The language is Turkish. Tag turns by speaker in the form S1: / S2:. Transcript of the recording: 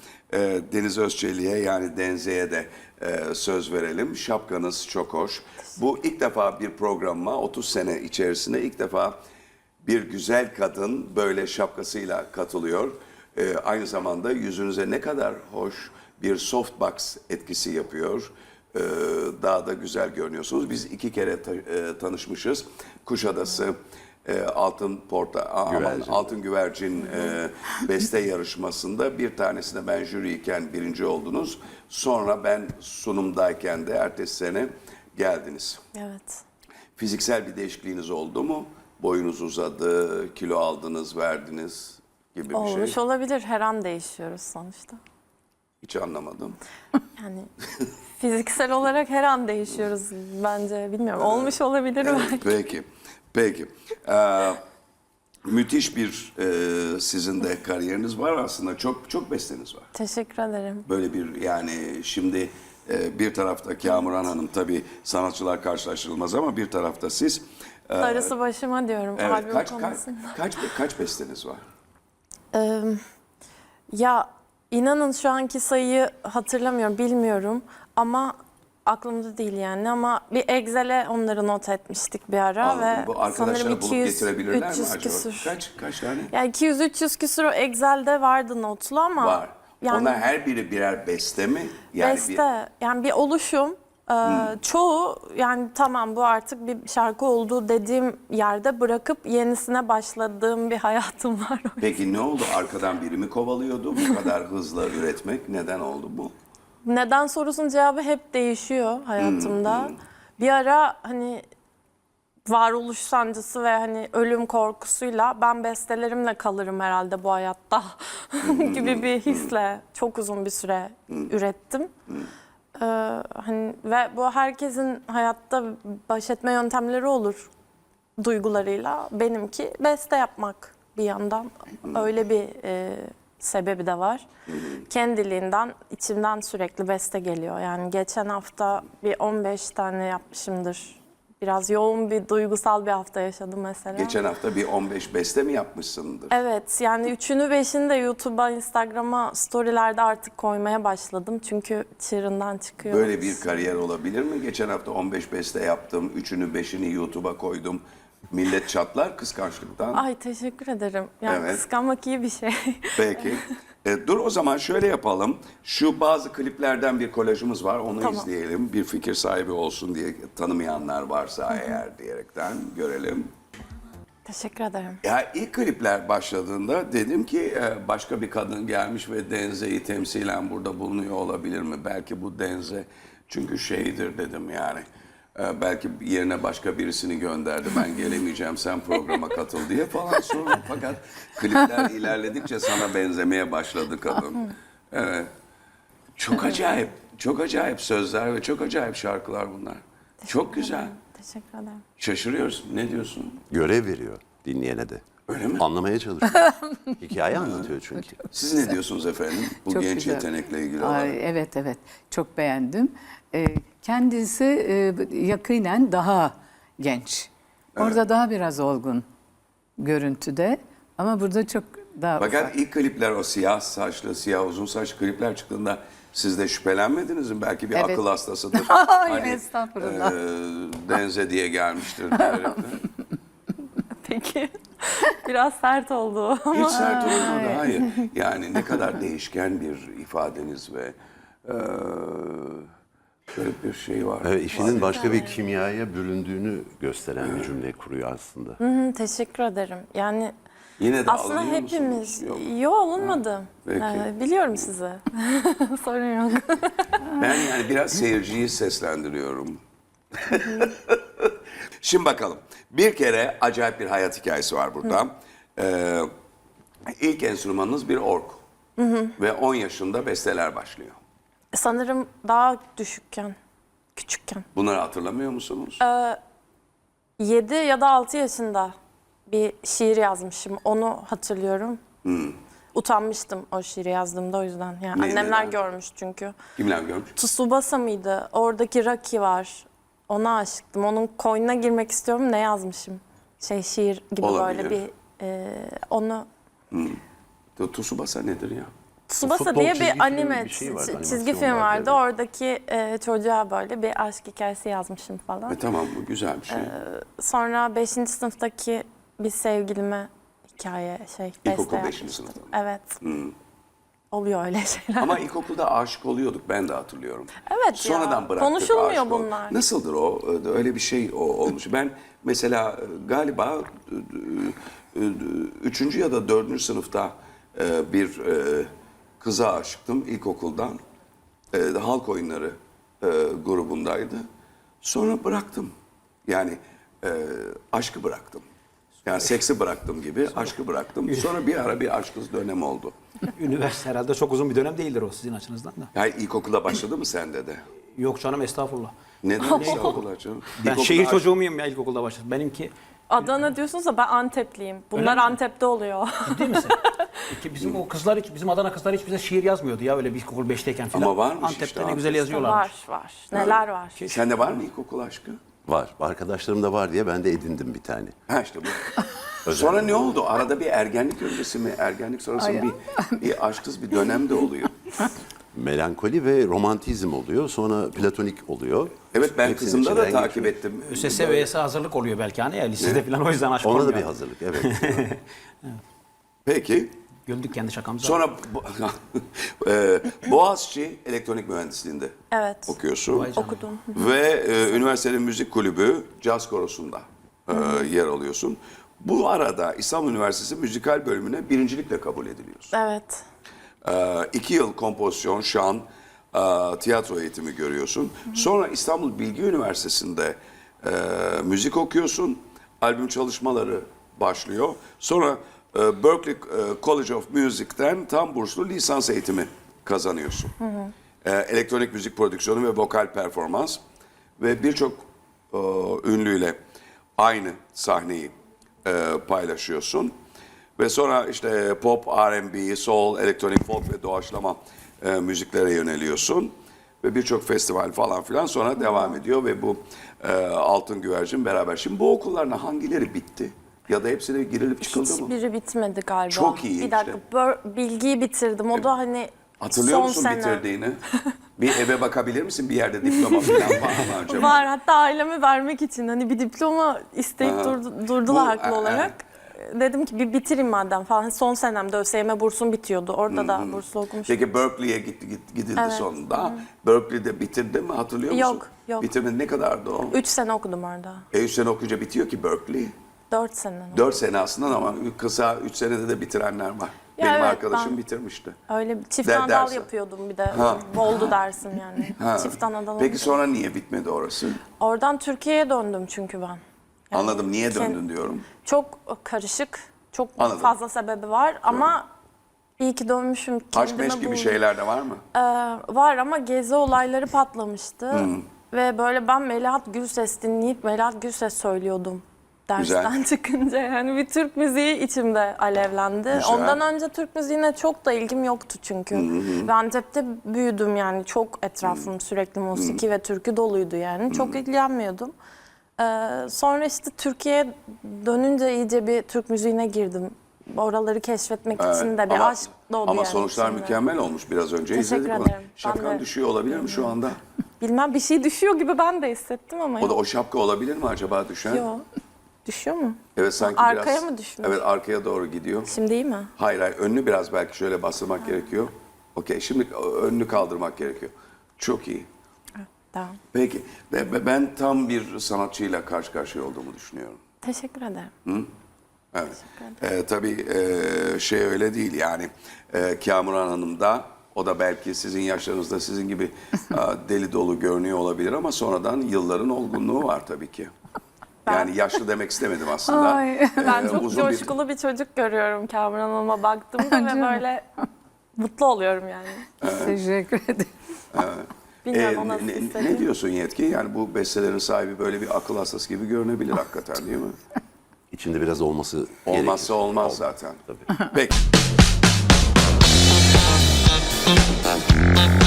S1: Deniz Özçelik'e yani Denze'ye de söz verelim. Şapkanız çok hoş. Bu ilk defa bir programıma 30 sene içerisinde ilk defa bir güzel kadın böyle şapkasıyla katılıyor. Aynı zamanda yüzünüze ne kadar hoş bir softbox etkisi yapıyor. Daha da güzel görünüyorsunuz. Biz 2 kere tanışmışız. Kuşadası Altın Güvercin beste yarışmasında bir tanesinde ben jüriyken birinci oldunuz. Sonra ben sunumdayken de ertesi sene geldiniz.
S2: Evet.
S1: Fiziksel bir değişikliğiniz oldu mu? Boyunuz uzadı, kilo aldınız, verdiniz gibi bir
S2: Olmuş
S1: şey.
S2: olabilir. Her an değişiyoruz sonuçta.
S1: Hiç anlamadım.
S2: Yani fiziksel olarak her an değişiyoruz bence. Bilmiyorum. Olmuş olabilir belki.
S1: Peki, peki. Müthiş bir sizin de kariyeriniz var aslında. Çok besteniz var.
S2: Teşekkür ederim.
S1: Böyle bir yani şimdi bir tarafta Kamuran Hanım tabii sanatçılar karşılaştırılmaz ama bir tarafta siz.
S2: Darısı başıma diyorum.
S1: Evet,
S2: Albüm konusunda.
S1: kaç besteniz var?
S2: Ya inanın şu anki sayıyı hatırlamıyorum, bilmiyorum ama aklımda değil yani, ama bir Excel'e onları not etmiştik bir ara.
S1: Anladım.
S2: Ve
S1: Bu arkadaşlar
S2: sanırım
S1: bulup getirebilirler mi
S2: 300
S1: acaba?
S2: küsür.
S1: Kaç tane?
S2: Yani 200-300 küsür o Excel'de vardı notlu ama.
S1: Var.
S2: Yani
S1: Onlar her biri birer beste mi? Yani
S2: beste, yani bir oluşum. Çoğu yani tamam bu artık bir şarkı oldu dediğim yerde bırakıp yenisine başladığım bir hayatım var.
S1: Peki ne oldu? Arkadan biri mi kovalıyordu? Bu kadar hızla üretmek neden oldu bu?
S2: Neden sorusunun cevabı hep değişiyor hayatımda. Bir ara hani varoluş sancısı ve hani ölüm korkusuyla ben bestelerimle kalırım herhalde bu hayatta gibi bir hisle çok uzun bir süre ürettim. Hani ve bu herkesin hayatta baş etme yöntemleri olur duygularıyla. Benimki beste yapmak bir yandan. Öyle bir sebebi de var. Kendiliğinden, içimden sürekli beste geliyor. Yani geçen hafta bir 15 tane yapmışımdır. Biraz yoğun bir duygusal bir hafta yaşadım mesela.
S1: Geçen hafta bir 15 beste mi yapmışsındır?
S2: Evet, yani 3'ünü 5'ini de YouTube'a, Instagram'a, storylerde artık koymaya başladım. Çünkü çığırından çıkıyor.
S1: Böyle bir kariyer olabilir mi? Geçen hafta 15 beste yaptım, 3'ünü 5'ini YouTube'a koydum. Millet çatlar kıskançlıktan.
S2: Ay teşekkür ederim. Yani
S1: Evet.
S2: kıskanmak iyi bir şey.
S1: Peki. Dur o zaman şöyle yapalım. Şu bazı kliplerden bir kolajımız var. Onu
S2: Tamam.
S1: izleyelim. Bir fikir sahibi olsun diye tanımayanlar varsa eğer diyerekten görelim.
S2: Teşekkür ederim.
S1: Ya ilk klipler başladığında dedim ki başka bir kadın gelmiş ve Denze'yi temsilen burada bulunuyor olabilir mi? Belki bu Denze çünkü şeydir dedim yani. Belki yerine başka birisini gönderdi. Ben gelemeyeceğim sen programa katıl diye falan sonra. Fakat klipler ilerledikçe sana benzemeye başladı kadın. Evet. Çok acayip. Çok acayip sözler ve çok acayip şarkılar bunlar. Çok güzel.
S2: Teşekkür ederim.
S1: Şaşırıyoruz. Ne diyorsun?
S3: Görev veriyor dinleyene de.
S1: Öyle mi?
S3: Anlamaya çalışıyor. Hikaye anlatıyor çünkü.
S1: Siz ne diyorsunuz efendim bu
S4: Çok
S1: genç
S4: güzel.
S1: yetenekle ilgili olarak?
S4: Ay, evet çok beğendim. Kendisi yakinen daha genç. Orada daha biraz olgun görüntüde ama burada çok daha
S1: Fakat
S4: ufak.
S1: ilk klipler o siyah saçlı, siyah uzun saçlı klipler çıktığında siz de şüphelenmediniz mi? Belki bir
S4: Evet.
S1: akıl hastasıdır.
S4: Ay, estağfurullah.
S1: Denze diye gelmiştir. diyerekten.
S2: Peki. Biraz sert oldu ama.
S1: Hiç sert olmadı. Hayır. Yani ne kadar değişken bir ifadeniz ve garip bir şey var.
S3: Evet, işinin başka bir kimyaya büründüğünü gösteren bir cümle kuruyor aslında.
S2: Teşekkür ederim. Yani
S1: Yine de
S2: aslında
S1: alınıyor
S2: hepimiz.
S1: musunuz? Yok.
S2: Yok alınmadım.
S1: Peki.
S2: Biliyorum sizi. Sorun yok.
S1: Ben yani biraz seyirciyi seslendiriyorum. Şimdi bakalım. Bir kere acayip bir hayat hikayesi var burada. İlk enstrümanınız bir org. Ve 10 yaşında besteler başlıyor.
S2: Sanırım daha küçükken.
S1: Bunları hatırlamıyor musunuz?
S2: 7 ya da 6 yaşında bir şiir yazmışım. Onu hatırlıyorum. Utanmıştım o şiiri yazdığımda o yüzden. Yani
S1: Ne,
S2: annemler
S1: neden?
S2: görmüş çünkü.
S1: Kimler görmüş?
S2: Tsubasa mıydı? Oradaki Rocky var. Ona aşıktım. Onun koynuna girmek istiyorum. Ne yazmışım? Şiir gibi
S1: Olabilir.
S2: böyle bir onu
S1: Tsubasa nedir ya?
S2: Tsubasa
S3: Futbol
S2: diye
S3: çizgi
S2: bir
S3: filmi
S2: anime
S3: bir şey vardı,
S2: çizgi
S3: animasyon
S2: film vardı.
S3: vardı, evet.
S2: Oradaki çocuğa böyle bir aşk hikayesi yazmışım falan.
S1: Tamam, bu güzel bir şey.
S2: Sonra 5. sınıftaki bir sevgilime hikaye beste
S1: İlkokul 5.
S2: yapmıştım.
S1: sınıfta mı?
S2: Evet. Oluyor öyle şeyler.
S1: Ama ilkokulda aşık oluyorduk, ben de hatırlıyorum.
S2: Evet
S1: Sonradan
S2: ya,
S1: bıraktık
S2: konuşulmuyor
S1: aşık ol-
S2: bunlar.
S1: Nasıldır o? Öyle bir şey olmuş. Ben mesela galiba 3. ya da 4. sınıfta bir kıza aşıktım ilkokuldan. Halk oyunları grubundaydı. Sonra bıraktım. Yani aşkı bıraktım. Yani seksi bıraktım gibi aşkı bıraktım. Sonra bir ara bir aşksız dönem oldu.
S5: Üniversite herhalde çok uzun bir dönem değildir o sizin açınızdan da.
S1: Yani ilkokulda başladı mı sende de?
S5: Yok canım, estağfurullah.
S1: Neden ilkokulda canım?
S5: Ben
S1: İlkokulda
S5: şehir
S1: aşk-
S5: çocuğu muyum ya, ilkokulda başladım. Benimki
S2: Adana diyorsunuz da ben Antepliyim. Bunlar
S5: mi?
S2: Antep'te oluyor.
S5: ciddi misin? Bizim o kızlar hiç, bizim Adana kızlar hiç bize şiir yazmıyordu ya öyle bir ilkokul 5'teyken falan.
S1: Ama varmış
S5: Antep'te
S1: işte
S5: ne güzel
S1: abi.
S5: yazıyorlar.
S2: var. Neler var.
S1: Sende var mı ilkokul aşkı?
S3: Var. Arkadaşlarım da var diye ben de edindim bir tane.
S1: Ha işte bu. Sonra ne oldu? Arada bir ergenlik öncesi mi, ergenlik sonrası mı bir aşksız bir dönem de oluyor.
S3: Melankoli ve romantizm oluyor. Sonra platonik oluyor.
S1: Evet, ben
S3: Hepsinin
S1: kızımda da
S3: içinden
S1: takip
S3: geçiyor.
S1: ettim.
S5: ÖSS ve YS hazırlık oluyor belki hani ya lisede falan, o yüzden aşk
S3: Ona da
S5: olmuyor.
S3: bir hazırlık, evet.
S1: Peki.
S5: Güldük kendi şakamıza.
S1: Sonra Boğaziçi Elektronik Mühendisliğinde
S2: Evet.
S1: okuyorsun.
S5: Vay canına.
S2: Okudum.
S1: Ve üniversitenin müzik kulübü Caz Korosu'nda yer alıyorsun. Bu arada İstanbul Üniversitesi müzikal bölümüne birincilikle kabul ediliyorsun.
S2: Evet.
S1: 2 yıl kompozisyon, şan, tiyatro eğitimi görüyorsun. Sonra İstanbul Bilgi Üniversitesi'nde müzik okuyorsun. Albüm çalışmaları başlıyor. Sonra Berklee College of Music'ten tam burslu lisans eğitimi kazanıyorsun. Elektronik müzik prodüksiyonu ve vokal performans. Ve birçok ünlüyle aynı sahneyi paylaşıyorsun. Ve sonra işte pop, R&B, soul, elektronik folk ve doğaçlama müziklere yöneliyorsun. Ve birçok festival falan filan sonra devam ediyor ve bu Altın Güvercin beraber. Şimdi bu okulların hangileri bitti? Ya da hepsine girilip çıkıldı mı?
S2: Hiçbiri bitmedi galiba.
S1: Çok iyi
S2: Bir dakika, bilgiyi bitirdim. O da hani
S1: Hatırlıyor
S2: son
S1: musun
S2: sene.
S1: bitirdiğini? Bir eve bakabilir misin? Bir yerde diploma falan var mı acaba?
S2: Var, hatta aileme vermek için hani bir diploma isteyip durdular
S1: Bu,
S2: haklı olarak. Dedim ki bir bitireyim madem falan. Son senemde ÖSYM bursum bitiyordu. Orada da burslu okumuştum.
S1: Peki Berkeley'e gidildi
S2: Evet.
S1: sonunda. Berkeley'de bitirdi mi, hatırlıyor musun?
S2: Yok.
S1: Bitirmedi, ne kadardı o?
S2: 3 sene okudum orada.
S1: 3 sene okuyunca bitiyor ki Berkeley.
S2: 4 sene.
S1: 4 sene aslında ama kısa 3 senede de bitirenler var.
S2: Ya
S1: Benim
S2: evet,
S1: arkadaşım
S2: ben-
S1: bitirmişti.
S2: Öyle bir çift
S1: Der-
S2: anadal
S1: dersi.
S2: yapıyordum bir de. Oldu dersim yani. Çift anadal.
S1: Peki
S2: oldu.
S1: sonra niye bitmedi orası?
S2: Oradan Türkiye'ye döndüm çünkü ben. Yani
S1: Anladım, niye
S2: kend-
S1: döndün diyorum.
S2: Çok karışık, çok
S1: Anladım.
S2: fazla sebebi var ama iyi ki dönmüşüm.
S1: Aşk
S2: kendime
S1: meşk gibi
S2: buldum.
S1: şeyler de var mı?
S2: Var ama gezi olayları patlamıştı. Ve böyle ben Melahat Gürses dinleyip Melahat Gürses söylüyordum. Dersten
S1: Güzel.
S2: çıkınca yani bir Türk müziği içimde alevlendi.
S1: Güzel.
S2: Ondan önce Türk müziğine çok da ilgim yoktu çünkü. Ben Antep'te büyüdüm yani çok etrafım sürekli musiki ve türkü doluydu yani. Çok ilgilenmiyordum. Sonra işte Türkiye'ye dönünce iyice bir Türk müziğine girdim. Oraları keşfetmek için de bir aşk doğdu
S1: ama
S2: yani
S1: sonuçlar
S2: içimde.
S1: mükemmel olmuş, biraz önce
S2: Teşekkür
S1: izledik onu.
S2: ederim. Ben
S1: Şapkan
S2: de-
S1: düşüyor olabilir mi şu anda?
S2: Bilmem, bir şey düşüyor gibi ben de hissettim ama
S1: O da o şapka olabilir mi acaba düşen?
S2: yok. Düşüyor mu?
S1: Evet, sanki
S2: Arkaya
S1: biraz.
S2: mı düşmüş?
S1: Evet, arkaya doğru gidiyor.
S2: Şimdi iyi mi?
S1: Hayır, önünü biraz belki şöyle bastırmak gerekiyor. Okey, şimdi önünü kaldırmak gerekiyor. Çok iyi.
S2: Tamam.
S1: Peki, ben tam bir sanatçıyla karşı karşıya olduğumu düşünüyorum.
S2: Teşekkür ederim.
S1: Evet. Tabii şey öyle değil yani. Kamuran Hanım da, o da belki sizin yaşlarınızda sizin gibi deli dolu görünüyor olabilir ama sonradan yılların olgunluğu var tabii ki. Yani yaşlı demek istemedim aslında.
S4: Ay.
S2: Ben çok
S1: uzun bir-
S2: coşkulu bir çocuk görüyorum Kamuran Hanım'a baktığımda ve böyle mutlu oluyorum yani.
S4: Teşekkür ederim.
S2: Bilmiyorum o nasıl
S1: ne
S2: hissediyor.
S1: diyorsun Yetki? Yani bu bestelerin sahibi böyle bir akıl hastası gibi görünebilir hakikaten, değil mi?
S3: İçinde biraz olması
S1: Olmazsa
S3: gerekir.
S1: olmaz zaten.
S3: Tabii.
S1: Peki.